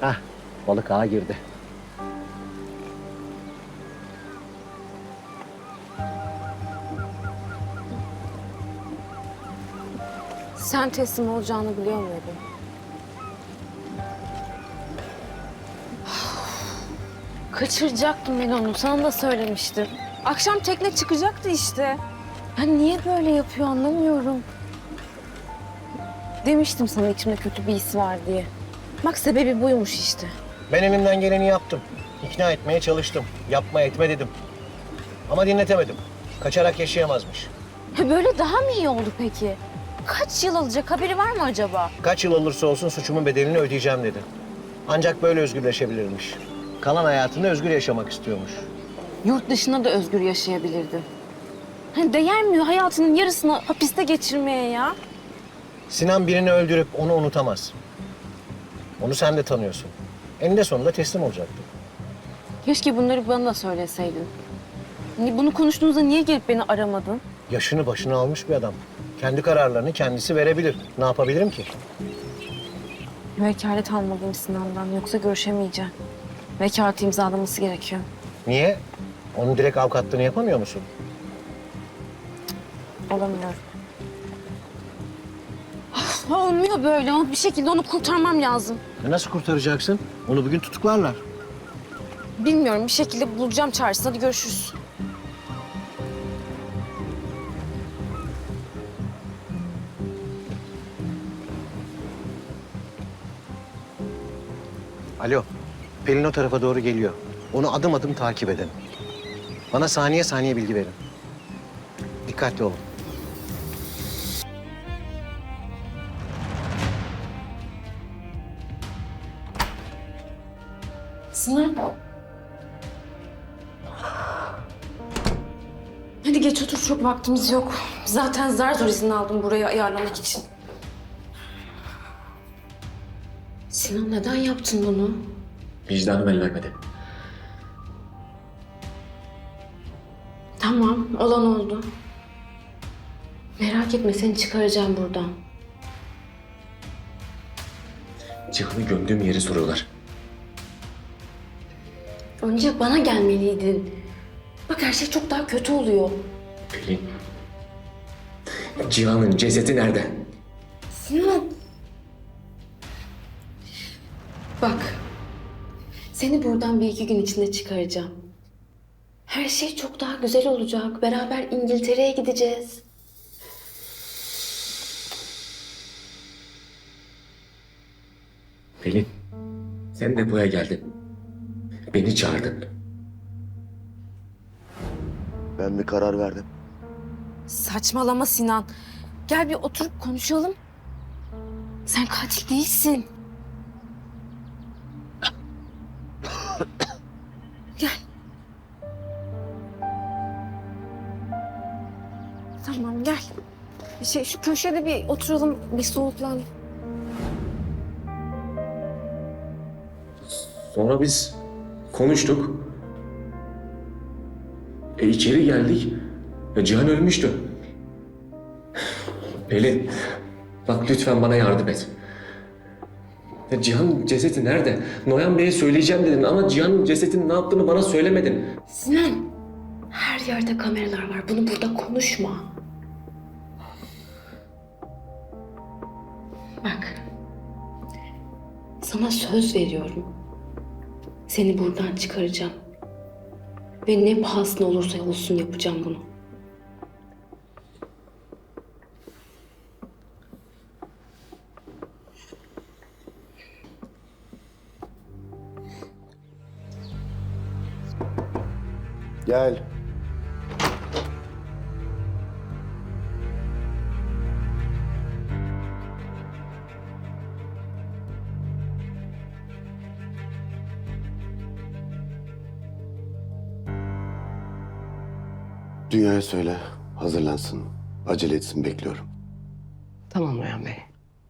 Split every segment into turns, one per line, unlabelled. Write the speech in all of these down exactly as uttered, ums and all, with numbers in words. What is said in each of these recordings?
Hah, balık ağa girdi.
Sen teslim olacağını biliyor muydun? Kaçıracaktım ben onu, sana da söylemiştim. Akşam tekne çıkacaktı işte. Ben niye böyle yapıyor anlamıyorum. Demiştim sana içimde kötü bir his var diye. Bak sebebi buymuş işte.
Ben elimden geleni yaptım. İkna etmeye çalıştım. Yapma etme dedim. Ama dinletemedim. Kaçarak yaşayamazmış.
Ha, böyle daha mı iyi oldu peki? Kaç yıl alacak, haberi var mı acaba?
Kaç yıl olursa olsun suçumun bedelini ödeyeceğim dedi. Ancak böyle özgürleşebilirmiş. Kalan hayatını özgür yaşamak istiyormuş.
Yurt dışında da özgür yaşayabilirdi. Hani değer mi hayatının yarısını hapiste geçirmeye ya?
Sinan birini öldürüp onu unutamaz. Onu sen de tanıyorsun. Eninde sonunda teslim olacaktı.
Keşke bunları bana da söyleseydin. Hani bunu konuştuğunuzda niye gelip beni aramadın?
Yaşını başına almış bir adam. Kendi kararlarını kendisi verebilir. Ne yapabilirim ki?
Vekalet almalıyım Sinan'dan, yoksa görüşemeyeceğim. Vekalet imzalaması gerekiyor.
Niye? Onun direkt avukatlığını yapamıyor musun?
Olamıyorum. Ah, olmuyor böyle. Bir şekilde onu kurtarmam lazım.
E nasıl kurtaracaksın? Onu bugün tutuklarlar.
Bilmiyorum, bir şekilde bulacağım çaresini. Hadi görüşürüz.
Alo, Pelin o tarafa doğru geliyor. Onu adım adım takip edin. Bana saniye saniye bilgi verin. Dikkatli olun.
Sinan. Hadi geç otur, çok vaktimiz yok. Zaten zar zor izin aldım buraya ayarlamak için. Sinan, neden yaptın bunu?
Vicdanım el vermedi.
Tamam, olan oldu. Merak etme, seni çıkaracağım buradan.
Cihan'ı gömdüğüm yeri soruyorlar.
Önce bana gelmeliydin. Bak her şey çok daha kötü oluyor.
Pelin. Cihan'ın cesedi nerede?
Sinan. Bak. Seni buradan bir iki gün içinde çıkaracağım. Her şey çok daha güzel olacak. Beraber İngiltere'ye gideceğiz.
Pelin. Sen de buraya geldin. Beni çağırdın.
Ben bir karar verdim.
Saçmalama Sinan. Gel bir oturup konuşalım. Sen katil değilsin. Gel. Tamam gel. Bir şey şu köşede bir oturalım, bir soğuklan.
Sonra biz konuştuk. E içeri geldik. E, Cihan ölmüştü. Pelin. Bak lütfen bana yardım et. Ya Cihan'ın cesedi nerede? Noyan Bey'e söyleyeceğim dedin ama Cihan'ın cesedinin ne yaptığını bana söylemedin.
Sinan, her yerde kameralar var. Bunu burada konuşma. Bak, sana söz veriyorum. Seni buradan çıkaracağım. Ve ne pahasına olursa olsun yapacağım bunu.
Gel. Dünyaya söyle, hazırlansın. Acele etsin, bekliyorum.
Tamam Noyan Bey.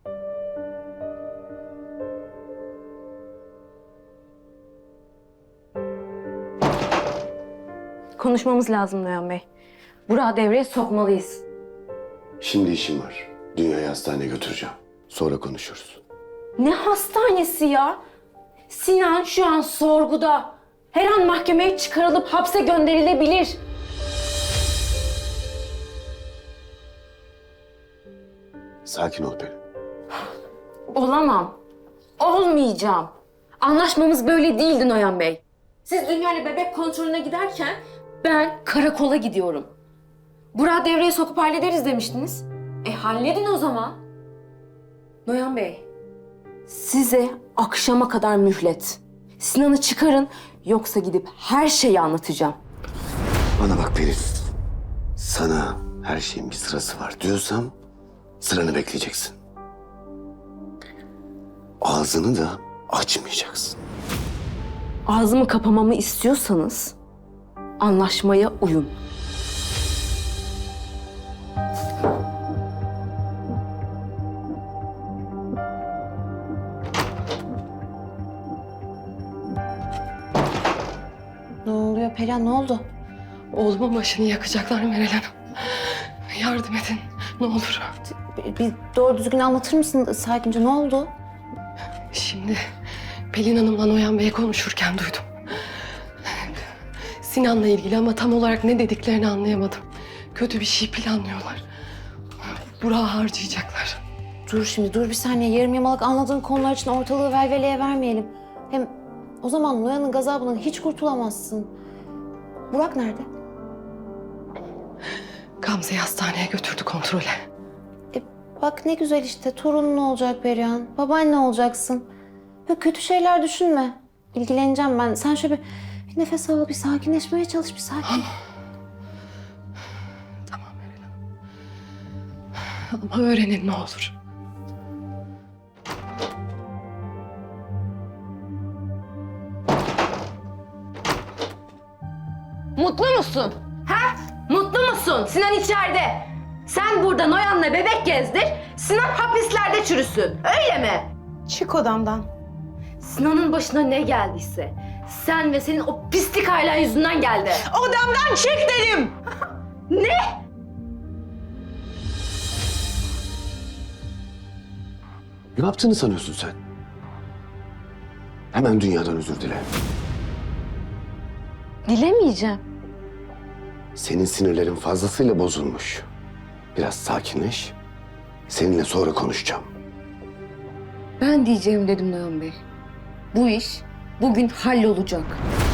Konuşmamız lazım Noyan Bey. Burak'ı devreye sokmalıyız.
Şimdi işim var. Dünyayı hastaneye götüreceğim. Sonra konuşuruz.
Ne hastanesi ya? Sinan şu an sorguda. Her an mahkemeye çıkarılıp hapse gönderilebilir.
Sakin ol Pelin.
Olamam. Olmayacağım. Anlaşmamız böyle değildi Noyan Bey. Siz Dünya'yla bebek kontrolüne giderken ben karakola gidiyorum. Burak'ı devreye sokup hallederiz demiştiniz. E halledin o zaman. Noyan Bey, size akşama kadar mühlet. Sinan'ı çıkarın yoksa gidip her şeyi anlatacağım.
Bana bak Pelin. Sana her şeyin bir sırası var diyorsam sıranı bekleyeceksin. Ağzını da açmayacaksın.
Ağzımı kapamamı istiyorsanız anlaşmaya uyun.
Ne oluyor Perihan, ne oldu?
Oğlumun başını yakacaklar Meral Hanım. Yardım edin ne olur.
Bir, bir doğru düzgün anlatır mısın sakince, ne oldu?
Şimdi Pelin Hanım'la Noyan Bey konuşurken duydum. Sinan'la ilgili ama tam olarak ne dediklerini anlayamadım. Kötü bir şey planlıyorlar. Burak'ı harcayacaklar.
Dur şimdi, dur bir saniye. Yarım yamalak anladığın konular için ortalığı velveleye vermeyelim. Hem o zaman Noyan'ın gazabından hiç kurtulamazsın. Burak nerede?
Gamze'yi hastaneye götürdü kontrole.
E, bak ne güzel işte, torunun olacak Perihan. Babaanne olacaksın. Böyle kötü şeyler düşünme. İlgileneceğim ben. Sen şöyle bir, bir nefes al, bir sakinleşmeye çalış, bir sakin.
Tamam Meral Hanım. Ama öğrenin ne olur.
Mutlu musun? Ha? Mutlu musun? Sinan içeride. Sen burada Noyan'la bebek gezdir, Sinan hapislerde çürüsün. Öyle mi?
Çık odamdan.
Sinan'ın başına ne geldiyse sen ve senin o pislik ailen yüzünden geldi.
Odamdan çık dedim.
Ne?
Ne yaptığını sanıyorsun sen? Hemen dünyadan özür dile.
Dilemeyeceğim.
Senin sinirlerin fazlasıyla bozulmuş. Biraz sakinleş. Seninle sonra konuşacağım.
Ben diyeceğim dedim Noyan Bey. Bu iş bugün hallolacak.